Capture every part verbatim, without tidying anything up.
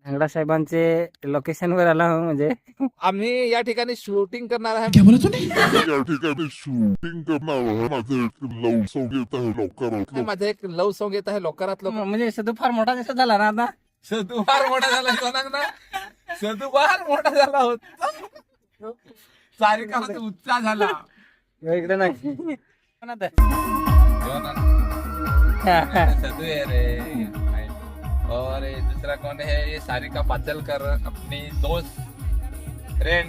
अंगडा साहेबांचे लोकेशन वर आला हो. म्हणजे आम्ही या ठिकाणी शूटिंग करणार आहे. क्या बोला तूने? या ठिकाणी शूटिंग करणार आहे. माझं एक लव सॉन्ग येत आहे लवकरात माझं एक लव सॉन्ग येत आहे लवकरात लवकर. म्हणजे सदू फार मोठा दिसत झाला ना आता. सदू फार मोठा झाला सोनाग ना. सदू फार मोठा झाला होता. सारिका होती उच्चा झाला. इकडे नाही पण आता. सदू है रे. और ये दूसरा कौन है? ये सारिका पाचलकर अपनी दोस्त फ्रेंड.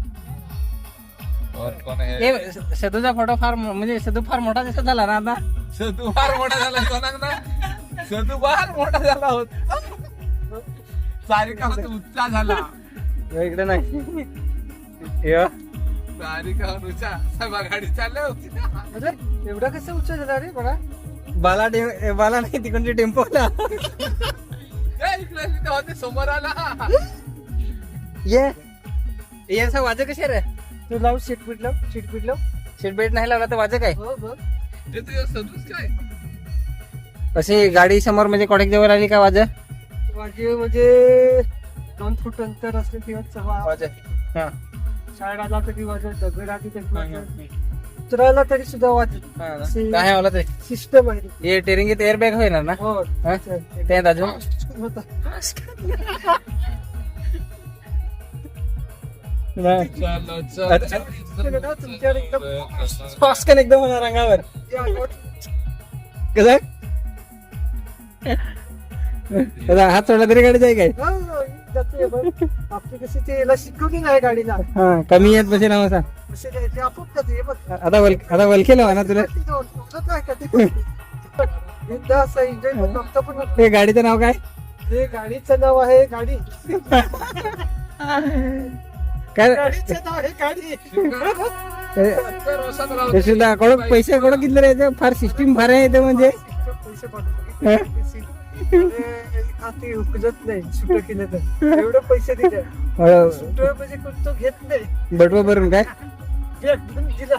और कौन है? हे सदूचा फोटो फार म्हणजे सदू फार मोठा दिसत झाला ना आता. सदू फार मोठा झाला सोनाग ना. सदू फार मोठा झाला होता. सारिका होती उच्चा झाला. इकडे नाही यो. सारिका उच्चा सभा गाडी चालली होती. एवढा कसं उच्च झाला रे बडा. बाला टे- बाला नाही तिकडचे टेम्पोला ए, इकडे इकडे होते समोर आला. ये ये असं वाजं कसे रे. तू लाव सीट बीट लाव सीट बीट लाव. सीट बेल्ट नाही लावला तर वाजं काय. ते तुझ्या सदूच काय? अशी गाडी समोर म्हणजे कॉटेक जवळ आली का वाजं. वाजे म्हणजे दोन फूट अंतर असले तेव्हा वाजं हा शाळा आला तरी वाजत दगड आली तरी वाजत उतरायला तरी सुद्धा वाजत. अशी काय होला ते. सिस्टम आहे. हे टेरिंगीत एअर बॅग होईना ना. हो हा? ते अजून होता. नाही. चलो चलो तुमच्यावर एकदम फास्कन एकदम होणार अंगावर कसं. हात सोडला तरी गाडी जाय काय. हो, हो, जाते बरं. आपली कशी ते याला शिकवली नाही गाडीला हा कमी येत बसे नाव सांग. असे ते ते आपोआप जाते. हे बघ. आता वल आता वलखे लावा ना तुला. ते जाऊन समजत नाही का ते. एकदा असं enjoy पण नव्हतं पण होतं. हे गाडीचं नाव काय. हे गाडीचं नाव आहे गाडी. काय गाडीचं नाव आहे गाडी. ते सुद्धा कोण पैसे कोण किती रे. फार सिस्टीम फार आहे ते म्हणजे. पैसे पाठवतो. ते उकलत नाही सुट केलं तर एवढं पैसे दिले. सुट म्हणजे तो घेत नाही. बटवा भरून काय. एकदम दिला.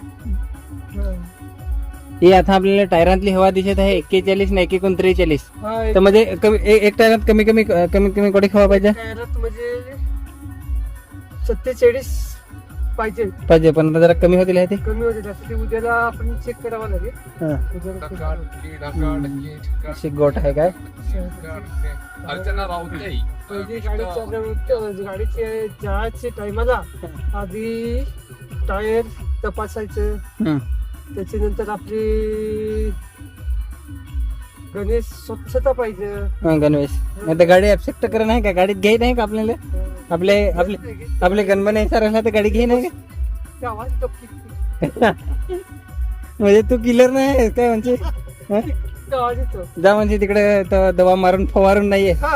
ही आता आपल्याला टायरांतली हवा दिसत आहे एक्केचाळीस ना एकेकोण त्रेचाळीस. हा, तर म्हणजे कमी ए- एक टायरात कमी कमी कमीत कमी कोटी हवा पाहिजे कॅरेट म्हणजे सत्तेचाळीस पाहिजे. पाहिजे पण आता जरा कमी होतील आहे ते. कमी होते जास्त ते उद्याला आपण चेक करावं लागेल. हा. उद्याला check ढकाड, की ढकाड, की ढकाड, अशी गोट आहे काय. ढकाड, की. अर्चना राऊत नाही. म्हणजे गाडी चालवून गाडीचे जायचे टायमाला आधी टायर तपासायचं. हम्म. त्याच्यानंतर आपली गणेश स्वच्छता पाहिजे. हा, गणवेश नाही तर गाडी ऍक्सेप्ट करा नाही का. गाडीत घ्याय नाही का आपल्याला. आपले आपले आपले गणपती सर तर गाडी घे नाही का. ते आवाज तो किक- म्हणजे तू किलर नाही आहेस काय म्हणजे. हा? तो आवाज येतो. जा म्हणजे तिकडे तो दवा मारून फवारून नाहीये हा?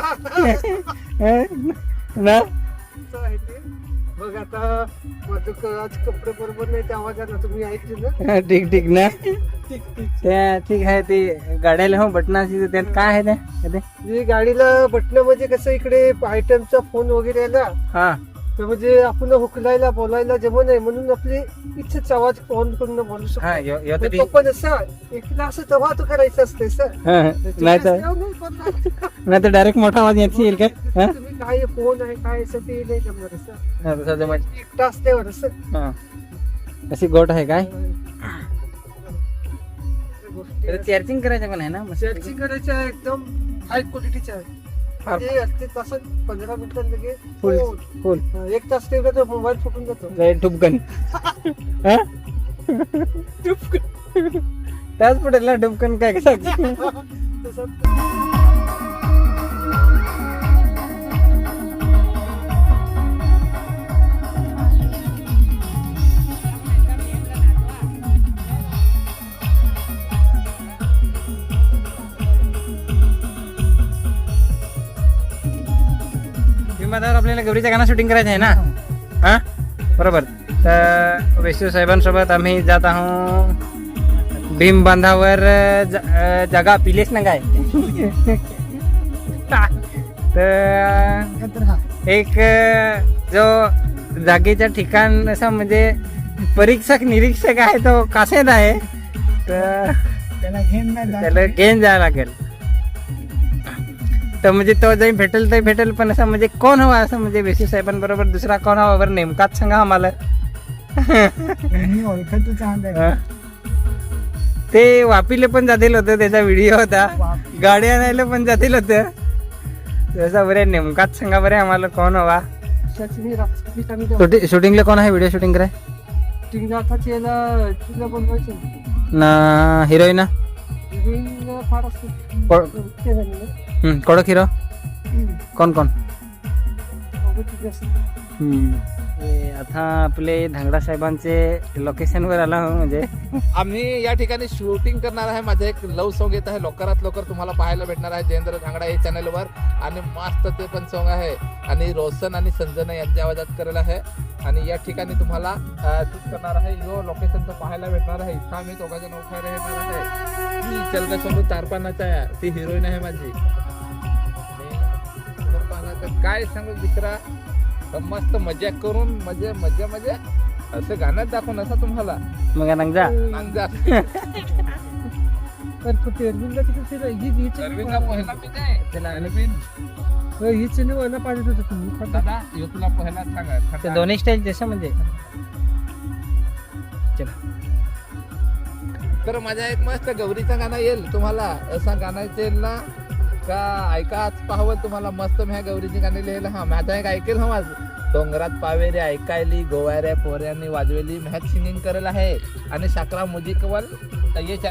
ना. असं आहे ते. बघ आता माझं क- आज कपडे बरोबर नाही त्या आवाजाला तुम्ही ऐकले ना. हा, ठीक ठीक ना. ठीक ठीक. त्या ठीक आहे ते गाड्याला हो बटनाची त्यात काय आहे ते ते? ही गाडीला बटन म्हणजे कसं इकडे आयटमचा फोन वगैरे आहे ना. हा तर म्हणजे आपण हुकलायला बोलायला जमत नाही म्हणून आपली इच्छेच आवाज ऑन करून बोलू शकतो. हा यो- यो तर पण ठीक. तो पण असं एकला असं तेव्हा तो करायचं असते सर. हा, नाही तर नाही तर डायरेक्ट मोठा आवाज येत येईल काय. हा? तुम्ही काय फोन आहे काय असं ते नाही जमणार असं. हा, तसं जमायचं. एकटा असल्यावर असं हा. अशी गोट आहे काय. चार्जिंग करायचं पण आहे ना मस्त. सर्चिंग करायच्या एकदम हाय क्वालिटीच्या आहे. म्हणजे असते तासात पंधरा मिनिटात लगेच फुल फोन. फुल हा, एक तास ठेवला तर मोबाईल फुटून जातो. डुबकन. हा? त्याच पटेल ना डुबकन काय कसं. तसं विमानावर आपल्याला गौरीचं गाणं शूटिंग करायचं आहे ना. हा बरोबर. तर वैष्णव साहेबांसोबत आम्ही जात आहोत भीम बांधावर. ज- अं, जागा पिलेस ना काय. तर एक अं, जो जागेच्या ठिकाण असं म्हणजे परीक्षक निरीक्षक आहे तो कासेत आहे. तर त्याला घेऊन नाही त्याला घेऊन जायला लागेल. तर म्हणजे तो जरी भेटेल तरी भेटेल, पण असं म्हणजे कोण हवा असं म्हणजे बेसी साहेबांबरोबर दुसरा कोण हवा बरं नेमकाच सांगा आम्हाला. मी ओळखत चांगलं आहे. हा. ते वापीले पण जातील होतं, त्याचा व्हिडिओ होता. गाडी आणायला पण जातील होतं. तसा बरे नेमकाच सांगा बरे आम्हाला कोण हवा. शूटिंग राहतात शूटिंग शूटिंगला कोण आहे, व्हिडिओ शूटिंग कराय याला तिला बनवायचं ना हिरोईन हिरोईन फार असते को- ते झालेलं. हम्म, कडक हिरो हम्म. कोण कोण. अगं तिथे असते. हे आता आपले धांगडा साहेबांचे लोकेशनवर आला हो. म्हणजे आम्ही या ठिकाणी शूटिंग करणार आहे. माझं एक लव सॉन्ग येत आहे, लवकरात लवकर तुम्हाला पाहायला भेटणार आहे जयेंद्र धांगडा या चॅनलवर. आणि मस्त ते पण सॉन्ग आहे आणि रोशन आणि संजना यांच्या आवाजात करेल आहे. आणि या ठिकाणी तुम्हाला शूट करणार आहे, यो लोकेशन तर पाहायला भेटणार आहे. इथं आम्ही दोघांजण उभे राहणार आहे. मी चलका सोनू तारपानाचा आहे, ती हिरोईन आहे माझी. आणि तारपानाचं काय सांगू दुसरा, तर मस्त मजा करून मजा मजा मजा असं गाण्यात दाखवून असं तुम्हाला मग नांगजा नांजा. तर कुठे अरविंदला तिथे फिरा ही हीच सर्विंगला पहिला मी नाही त्याला अरविंद हीच व्हायला पाहिजे होतं तुम्ही. दादा ह्यो तुला पहिला सांगा ते खड्डा. दोन्ही स्टाईल जसं म्हणजे चला. तर माझ्या एक मस्त गौरीचं गाणं येईल तुम्हाला, असं गाणं येईल ना का ऐका आज पाहावं तुम्हाला. मस्त मी ह्या गौरीची गाणी लिहिलं. हा माझा एक ऐकेल हा माझ डोंगरात पावेरे ऐकायली गोवाऱ्या पोऱ्यांनी वाजवेली मॅच सिंगिंग करेल आहे. आणि शाकरा म्युझिकवर ये